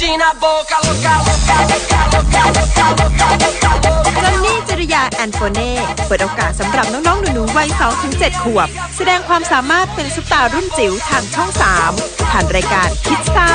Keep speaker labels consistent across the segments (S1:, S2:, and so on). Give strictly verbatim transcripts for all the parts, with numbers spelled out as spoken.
S1: จอนนี่จริยาแอนโฟเน่เปิดโอกาสสำหรับน้องๆหนูๆวัย สองถึงเจ็ด ขวบแสดงความสามารถเป็นซุปตารุ่นจิ๋วทางช่อง สามผ่านรายการคิดซ่า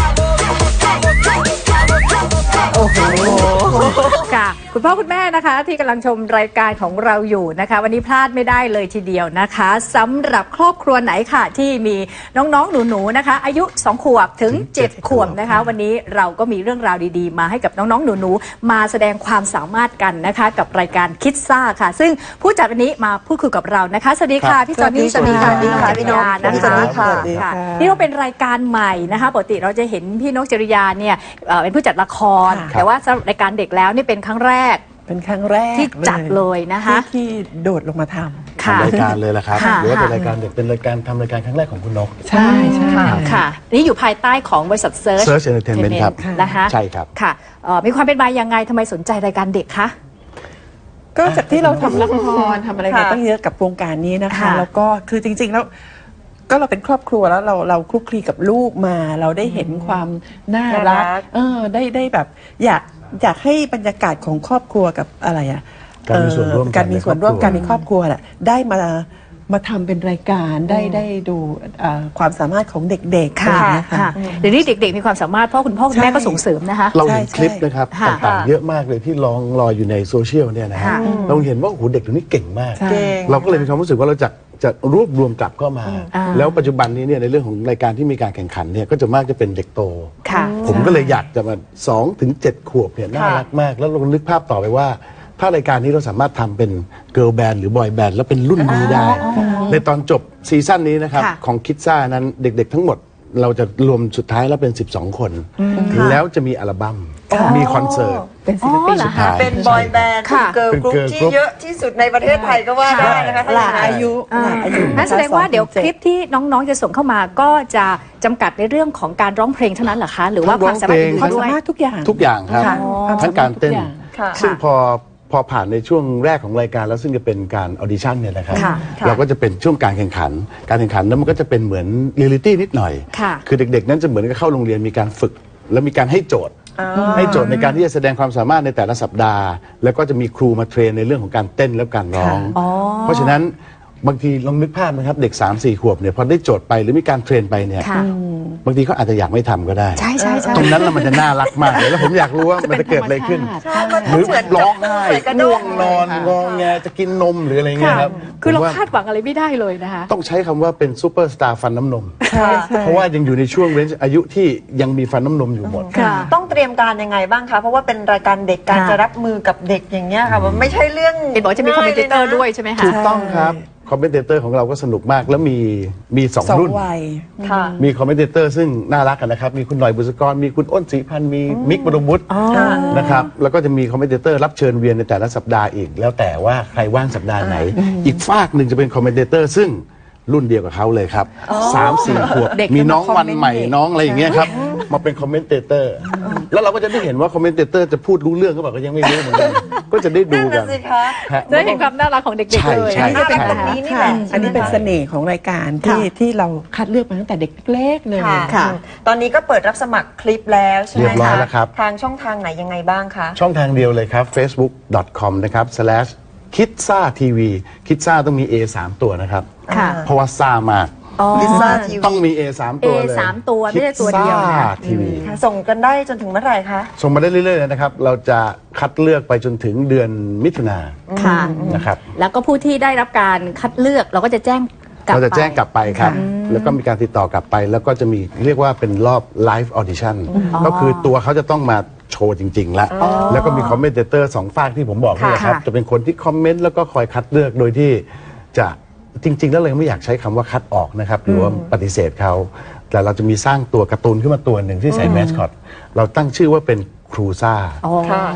S2: โอ้โหค่ะคุณพ่อคุณแม่นะคะที่กำลังชมรายการของเราอยู่นะคะวันนี้พลาดไม่ได้เลยทีเดียวนะคะสำหรับครอบครัวไหนค่ะที่มีน้องๆหนูๆนะคะอายุสองขวบถึงเจ็ดขวบนะคะวันนี้เราก็มีเรื่องราวดีๆมาให้กับน้องๆหนูๆมาแสดงความสามารถกันนะคะกับรายการคิดซ่าค่ะซึ่งผู้จัดวันนี้มาพูดคุยกับเรานะคะสวัสดีค่ะพี่จอนนี่สวัสดีค่ะพี่นกจริยานะคะนี่ก็เป็นรายการใหม่นะคะปกติเราจะเห็นพี่นกจริยาเนี่ยเป็นผู้จัดละครแต่ว่าสำหรับรายการเด็กแล้วนี่เป็นครั้งแรก
S3: เป็นครั้งแรก
S2: ที่จัดเลยนะคะ
S3: ที่โดดลงมาท
S4: ำทำรายการเลยละครับหรือว่าเป็นรายการเด็กเป็นรายการทำรายการครั้งแรกของคุณนก
S3: ใช่ใช่
S2: ค่ะนี่อยู่ภายใต้ของบริษัท Search
S4: Search Entertainment ครับ
S2: นะคะ
S4: ใช่ครับ
S2: ค่ะมีความเป็นมายังไงทำไมสนใจรายการเด็กคะ
S3: ก็จากที่เราทำละครทำอะไรมาตั้งเยอะกับวงการนี้นะคะแล้วก็คือจริงๆแล้วก็เราเป็นครอบครัวแล้วเราเราคลุกคลีกับลูกมาเราได้เห็นความน่ารักเออได้ได้แบบอยากอยากให้บรรยากาศของครอบครัวกับอะไรอ่ะ
S4: การมีส่วนร่วม
S3: การมีส่วนร่วมกันในครอบครัวแหละได้มามาทำเป็นรายการได้ได้ดูความสามารถของเด็กๆ
S2: ค่ะค่ะเดี๋ยวนี้เด็กๆมีความสามารถเพราะคุณพ่อคุณแม่ก็ส่งเสริมนะคะ
S4: เราเห็นคลิปนะครับต่างๆเยอะมากเลยที่ลองรออยู่ในโซเชียลเนี่ยนะฮะเราเห็นว่าโอ้โหเด็กตัวนี้เก่งมากเราก็เลยมีความรู้สึกว่าเราจะจะรวบรวมกลับเข้ามาแล้วปัจจุบันนี้เนี่ยในเรื่องของรายการที่มีการแข่งขันเนี่ยก็จะมากจะเป็นเด็กโตผมก็เลยอยากจะมาสองถึงเจ็ดขวบเนี่ยน่ารักมากแล้วลองนึกภาพต่อไปว่าถ้ารายการนี้เราสามารถทำเป็นเกิร์ลแบนด์หรือบอยแบนด์แล้วเป็นรุ่นนี้ได้ในตอนจบซีซั่นนี้นะครับของคิดซ่านั้นเด็กๆทั้งหมดเราจะรวมสุดท้ายแล้วเป็นสิบสองคนแล้วจะมีอัลบั้มมีคอนเสิร์ต
S2: เป็นศิลปินสุดท้าย
S5: เป็นบอยแบนด์เป็นเกิร์ลกรุ๊ปที่เยอะที่สุดในประเทศไทยก็ว่าได้นะคะ
S3: หลากอายุหลากอายุ
S2: นั่นแสดงว่าเดี๋ยวคลิปที่น้องๆจะส่งเข้ามาก็จะจำกัดในเรื่องของการร้องเพลงเท่านั้นเหรอคะหรือว่าความสามารถ
S3: ความสามารถทุกอย่าง
S4: ทุกอย่างครับทั้งการเต้นซึ่งพอพอผ่านในช่วงแรกของรายการแล้วซึ่งจะเป็นการออดิชั่นเนี่ยนะครับเราก็จะเป็นช่วงการแข่งขันการแข่งขันนั้นมันก็จะเป็นเหมือนเรียลลิตี้นิดหน่อยคือเด็กๆนั้นจะเหมือนกับเข้าโรงเรียนมีการฝึกแล้วมีการให้โจทย์ให้โจทย์ในการที่จะแสดงความสามารถในแต่ละสัปดาห์แล้วก็จะมีครูมาเทรนในเรื่องของการเต้นและการร้องเพราะฉะนั้นบางทีลองนึกภาพนะครับเด็ก สามสี่ ขวบเนี่ยพอได้โจทย์ไปหรือมีการเทรนไปเนี่ยบางทีเขาอาจจะอยากไม่ทำก็ได้
S2: ใช่ใช่
S4: ตรงนั้นแล้วมันจะน่ารักมากเลยแล้วผมอยากรู้ว่ามันจะเกิดอะไรขึ้นหรือร้องไห้ง่วงนอนงอแงจะกินนมหรืออะไรเงี้ยครับ
S2: คือเราคาดหวังอะไรไม่ได้เลยนะคะ
S4: ต้องใช้คำว่าเป็นซูเปอร์สตาร์ฟันน้ำนมเพราะว่ายังอยู่ในช่วงเรนจ์อายุที่ยังมีฟันน้ำนมอยู่หมด
S5: ต้องเตรียมการยังไงบ้างคะเพราะว่าเป็นรายการเด็กการจะรับมือกับเด็กอย่างเงี้ยค่ะมันไม่ใช่เรื่อง
S2: เห็นบอกจะมีคอมเมนเตอร์ด้วยใช่ไหมคะ
S4: ถูกต้องครับคอมเมนเตอร์ของเราก็สนุกมากแล้วมีมีสองรุ่นมีคอมเมนเตอร์ซึ่งน่ารักกันนะครับมีคุณหน่อยบุษกรมีคุณอ้นศรีพันธ์มีมิกบรมวุฒินะครับแล้วก็จะมีคอมเมนเตอร์รับเชิญเวียนในแต่ละสัปดาห์อีกแล้วแต่ว่าใครว่างสัปดาห์ไหนอีกฝากหนึ่งจะเป็นคอมเมนเตอร์ซึ่งรุ่นเดียวกับเขาเลยครับสามสี่ขวบมีน้องวันใหม่น้องอะไรอย่างเงี้ยครับมาเป็นคอมเมนเตอร์แล้วเราก็จะได้เห็นว่าคอมเมนเตอร์จะพูดรู้เรื่องก็บอกก็ยังไม่รู้เหมือนกันก็จะได้ดูกัน
S2: ได้เห็นความน่ารักของเด็กๆเลย
S3: อันนี้เป็นตรงนี้นี่แหละอันนี้เป็นเสน่ห์ของรายการที่ที่เราคัดเลือกมาตั้งแต่เด็กเล็กเลย
S5: ค่ะตอนนี้ก็เปิดรับสมัครคลิปแล้วใช่ไหมคะ
S4: เรียบร้อยแล้วครับ
S5: ทางช่องทางไหนยังไงบ้างคะ
S4: ช่องทางเดียวเลยครับ เฟซบุ๊ก ดอท คอม นะครับ สแลช คิดซ่า ที วี คิดซ่าต้องมี A สาม ตัวนะครับเพราะว่าซ่ามากต้องมี A สาม ตัวเลย
S2: A สาม ตัวไม่ใช่ตัวเดียว
S4: นะทีวี
S5: ส่งกันได้จนถึงเมื่อไหร่คะ
S4: ส่งมาได้เรื่อยๆเลยนะครับเราจะคัดเลือกไปจนถึงเดือนมิถุนายนนะครับ
S2: แล้วก็ผู้ที่ได้รับการคัดเลือกเราก็จะแจ้ง
S4: เราจะแจ้งกลับไปครับแล้วก็มีการติดต่อกลับไปแล้วก็จะมีเรียกว่าเป็นรอบไลฟ์ออดิชั่นก็คือตัวเขาจะต้องมาโชว์จริงๆแล้วแล้วก็มีคอมเมนเตอร์สองฝากที่ผมบอกนี่ครับจะเป็นคนที่คอมเมนต์แล้วก็คอยคัดเลือกโดยที่จะจริงๆแล้วเลยไม่อยากใช้คำว่าคัดออกนะครับหรือว่าปฏิเสธเขาแต่เราจะมีสร้างตัวการ์ตูนขึ้นมาตัวหนึ่งที่ใส่แมสคอตเราตั้งชื่อว่าเป็นครูซ่า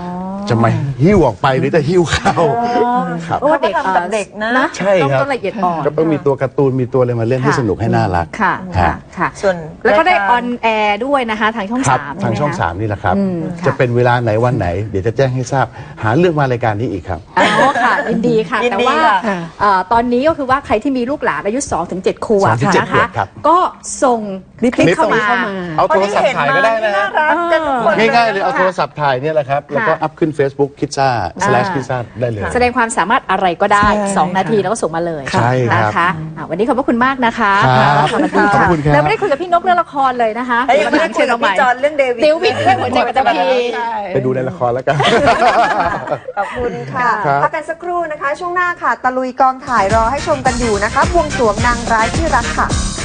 S4: จะมาหิ้วออกไปหรือจะหิ้วเข้าครับ
S2: โอ้เด็ก
S5: เขาก็ทำกับเด็กนะ
S4: ใช่ครับ
S2: ต้องละเอียดอ่อน
S4: ก็ต้องมีตัวการ์ตูนมีตัวอะไรมาเล่นให้
S2: ค่ะ
S4: สนุกให้น่ารัก
S2: ค่ะค่ะ
S4: ฮะ
S2: ค่ะ
S5: ส่วน
S2: แล้วก็ได้
S5: ราย
S2: อ
S5: การ
S2: อนแอร์ด้วยนะคะทางช่อง
S4: ครับ
S2: สาม
S4: ทางช่อง
S2: ใไหคะ
S4: สามนี่แหละครับ
S2: อืมค่ะ
S4: จะเป็นเวลาไหนวันไหน เดี๋ยวจะแจ้งให้ทราบหาเรื่องมารายการนี้อีกครับ
S2: อ๋อค่ะยินดีค่ะ
S5: ยิน
S2: แต่
S5: ดี
S2: ว่า
S5: ค่ะ
S2: เอ่อตอนนี้ก็คือว่าใครที่มีลูกหลานอายุ 2-7 ขวบ
S4: สองถึงเจ็ด
S2: นะ
S4: ขว
S2: คะ
S4: บครับ
S2: ก็ส่งคลิป
S3: คลิป
S2: เข้ามา
S3: เข้ามา
S4: เอาโทรศัพท์ถ่ายก็ได้นะ
S5: น่ารักกันทุกคน
S4: ง่ายๆเลยเอาโทรศัพท์ถ่ายเนี่ยแหละครับ แล้วก็
S2: ค่ะ
S4: อัพขึ้น Facebook คิดซ่า slash
S2: อ่า
S4: คิดซ่าได้เลย
S2: แสดงความสามารถอะไรก็ได้
S3: ใช่
S2: สอง นาที
S3: ค่ะ
S2: แล้วก็ส่งมาเลย
S4: ใช่ครับ
S2: นะคะอ่ะวันนี้ขอบพระคุณมากนะคะ
S4: ครับ
S2: ขอบคุณ
S4: ขอบคุณครับ
S2: แล้วไม่ได้คุยกับพี่นกเรื่องละครเลยนะคะ
S5: เอ้ยยังไม่ได้คุยกับพี่จอนเรื่องเดวิด
S2: เดวิดเรื่องหัวใจปัตตภี
S4: ไปดูในละครแล้วกัน
S5: ขอบคุณค่ะ
S4: ครับ
S5: พักกันสักครู่นะคะ ช่วงหน้าค่ะ ตะลุยกองถ่ายรอให้ชมกันอยู่นะคะบวงสรวงนางร้ายที่รักค่ะ